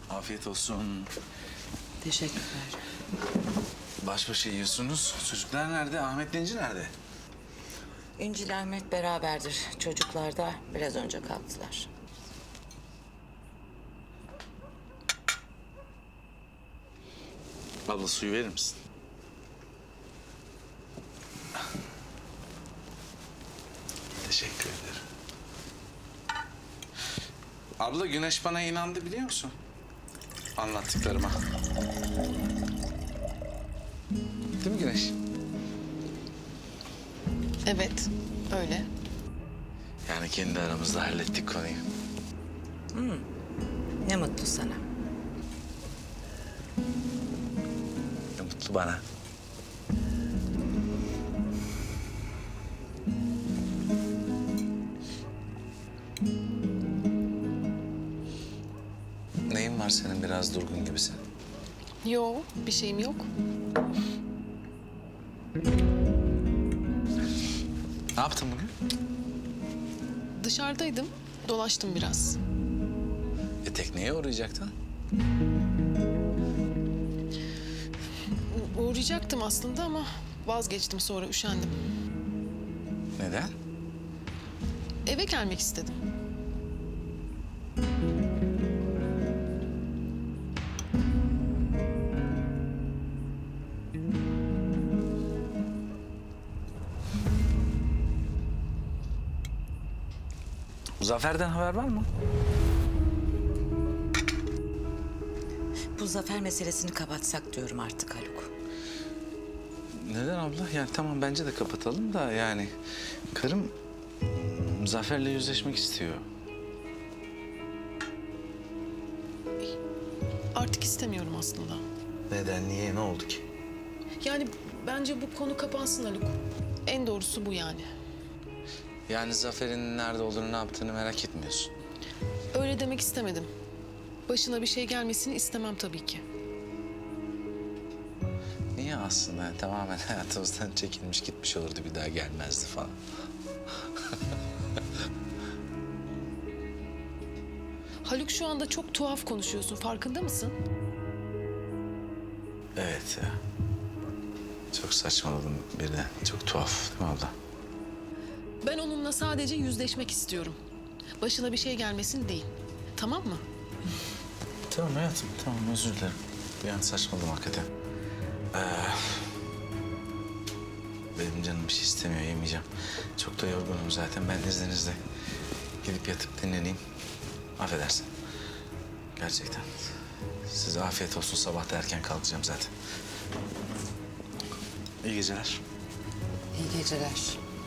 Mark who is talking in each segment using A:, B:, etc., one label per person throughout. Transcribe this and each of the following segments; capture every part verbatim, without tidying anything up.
A: Afiyet olsun.
B: Teşekkürler.
A: Baş başa yiyorsunuz. Çocuklar nerede? Ahmet İnci nerede?
B: İncil Ahmet beraberdir. Çocuklar da biraz önce kalktılar.
A: Abla suyu verir misin? Teşekkür ederim. Abla Güneş bana inandı biliyor musun? Anlattıklarıma. Değil mi Güneş?
C: Evet, öyle.
A: Yani kendi aramızda hallettik konuyu.
B: Ne mutlu sana.
A: Ne mutlu bana. Neyin var senin, biraz durgun gibisin?
C: Yo, bir şeyim yok.
A: Ne yaptın bugün?
C: Dışarıdaydım, dolaştım biraz.
A: E tekneye uğrayacaktın.
C: U- uğrayacaktım aslında ama vazgeçtim, sonra üşendim.
A: Neden?
C: Eve gelmek istedim.
A: Zafer'den haber var mı?
B: Bu Zafer meselesini kapatsak diyorum artık Haluk.
A: Neden abla? Yani tamam, bence de kapatalım da yani... Karım Zafer'le yüzleşmek istiyor.
C: Artık istemiyorum aslında.
A: Neden? Niye? Ne oldu ki?
C: Yani bence bu konu kapansın Haluk. En doğrusu bu yani.
A: Yani Zafer'in nerede olduğunu, ne yaptığını merak etmiyorsun.
C: Öyle demek istemedim. Başına bir şey gelmesini istemem tabii ki.
A: Niye aslında? Yani tamamen hayatımızdan çekilmiş gitmiş olurdu, bir daha gelmezdi falan.
C: Haluk, şu anda çok tuhaf konuşuyorsun, farkında mısın?
A: Evet ya. Çok saçmaladım birden. Çok tuhaf değil mi abla?
C: Ben onunla sadece yüzleşmek istiyorum. Başına bir şey gelmesin değil. Tamam mı?
A: Tamam hayatım, tamam, özür dilerim. Bir an saçmaladım hakikaten. Ee, benim canım bir şey istemiyor, yemeyeceğim. Çok da yorgunum zaten. Ben izninizle gidip yatıp dinleneyim. Affedersin. Gerçekten. Size afiyet olsun. Sabah da erken kalkacağım zaten. İyi geceler.
B: İyi geceler.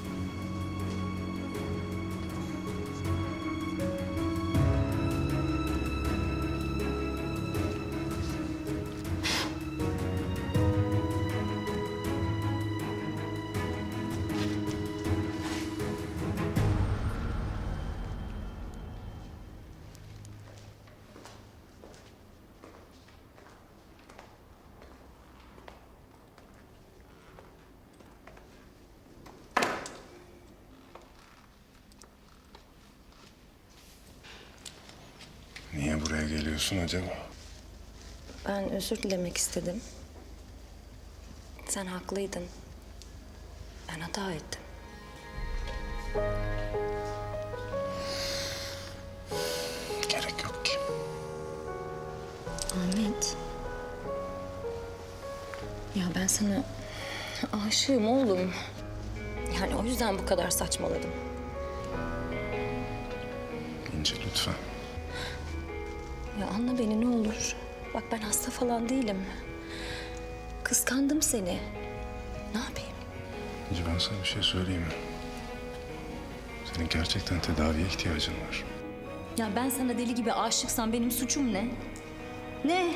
D: Niye buraya geliyorsun acaba?
E: Ben özür dilemek istedim. Sen haklıydın. Ben hata ettim.
D: Gerek yok ki.
E: Ahmet. Ya ben sana aşığım oğlum. Yani o yüzden bu kadar saçmaladım.
D: İnce lütfen.
E: Ya anla beni ne olur. Bak ben hasta falan değilim. Kıskandım seni. Ne yapayım?
D: İnce ben sana bir şey söyleyeyim mi? Senin gerçekten tedaviye ihtiyacın var.
E: Ya ben sana deli gibi aşıksam benim suçum ne? Ne?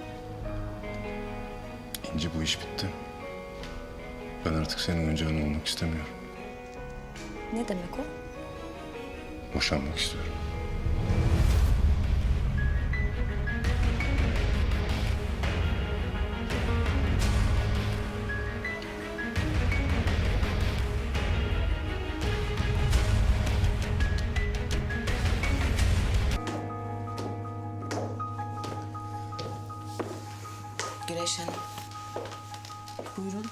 D: İnci bu iş bitti. Ben artık senin oyuncağın olmak istemiyorum.
E: Ne demek o?
D: Boşanmak istiyorum.
B: Güneş Hanım.
C: Buyurun.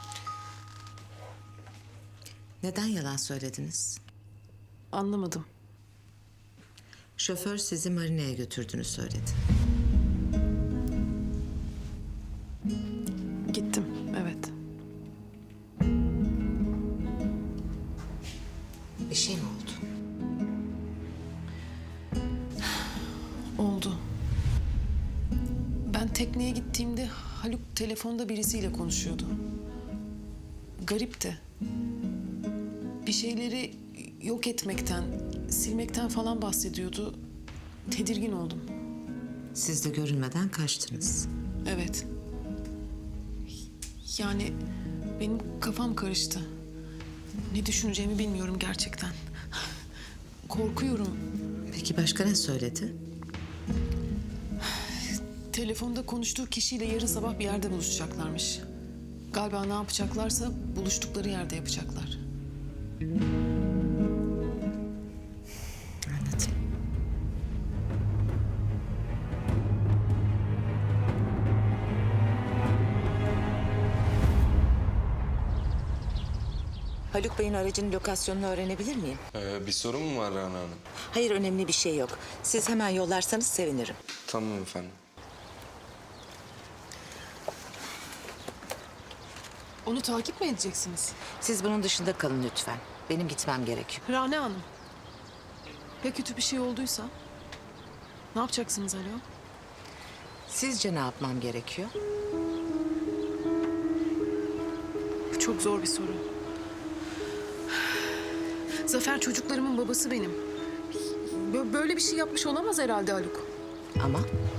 B: Neden yalan söylediniz?
C: Anlamadım.
B: Şoför sizi marineye götürdüğünü söyledi.
C: Gittim, evet.
B: Bir şey mi oldu?
C: Oldu. Ben tekneye gittiğimde Haluk telefonda birisiyle konuşuyordu. Garipti. Bir şeyleri yok etmekten, silmekten falan bahsediyordu. Tedirgin oldum.
B: Siz de görünmeden kaçtınız.
C: Evet. Yani benim kafam karıştı. Ne düşüneceğimi bilmiyorum gerçekten. Korkuyorum.
B: Peki başka ne söyledi?
C: Telefonda konuştuğu kişiyle yarın sabah bir yerde buluşacaklarmış. Galiba ne yapacaklarsa buluştukları yerde yapacaklar.
B: Anlatayım. Haluk Bey'in aracının lokasyonunu öğrenebilir miyim?
F: Ee, bir sorun mu var Rana Hanım?
B: Hayır, önemli bir şey yok. Siz hemen yollarsanız sevinirim.
F: Tamam efendim.
C: Onu takip mi edeceksiniz?
B: Siz bunun dışında kalın lütfen. Benim gitmem gerekiyor.
C: Rane Hanım. Ya kötü bir şey olduysa? Ne yapacaksınız Alo?
B: Sizce ne yapmam gerekiyor?
C: Bu çok zor bir soru. Zafer çocuklarımın babası benim. Bö- Böyle bir şey yapmış olamaz herhalde Haluk.
B: Ama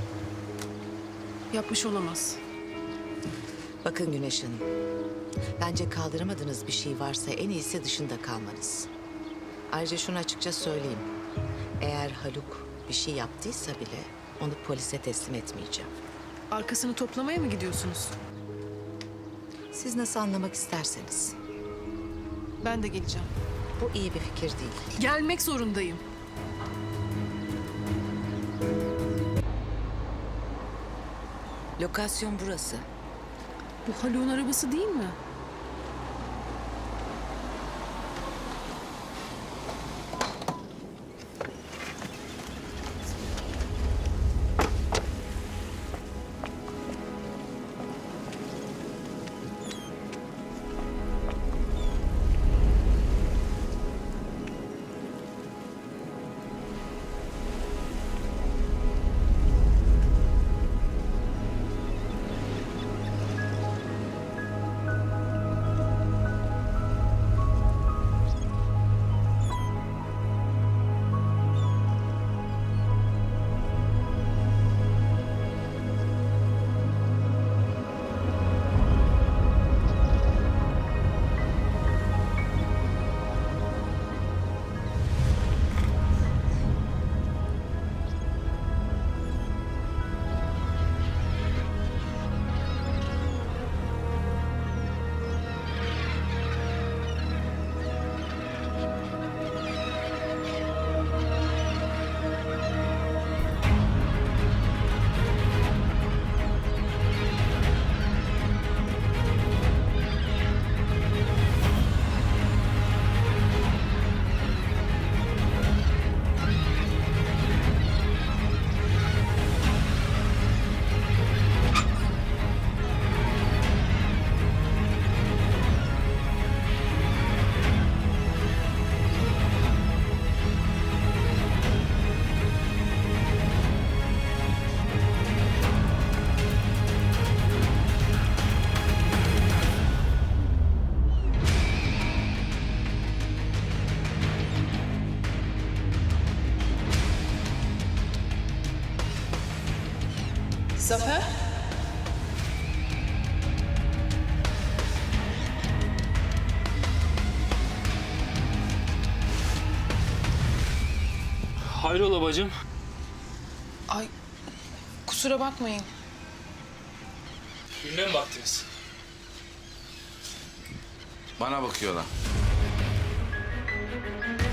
C: Yapmış olamaz.
B: bakın Güneş Hanım. Bence kaldıramadığınız bir şey varsa en iyisi dışında kalmanız. Ayrıca şunu açıkça söyleyeyim. Eğer Haluk bir şey yaptıysa bile onu polise teslim etmeyeceğim.
C: Arkasını toplamaya mı gidiyorsunuz?
B: Siz nasıl anlamak isterseniz.
C: Ben de geleceğim.
B: Bu iyi bir fikir değil.
C: Gelmek zorundayım.
B: Lokasyon burası.
C: Bu Haluk'un arabası değil mi? Zafer?
G: Hayrola bacım?
C: Ay kusura bakmayın.
G: Birine mi baktınız?
A: Bana bakıyorlar.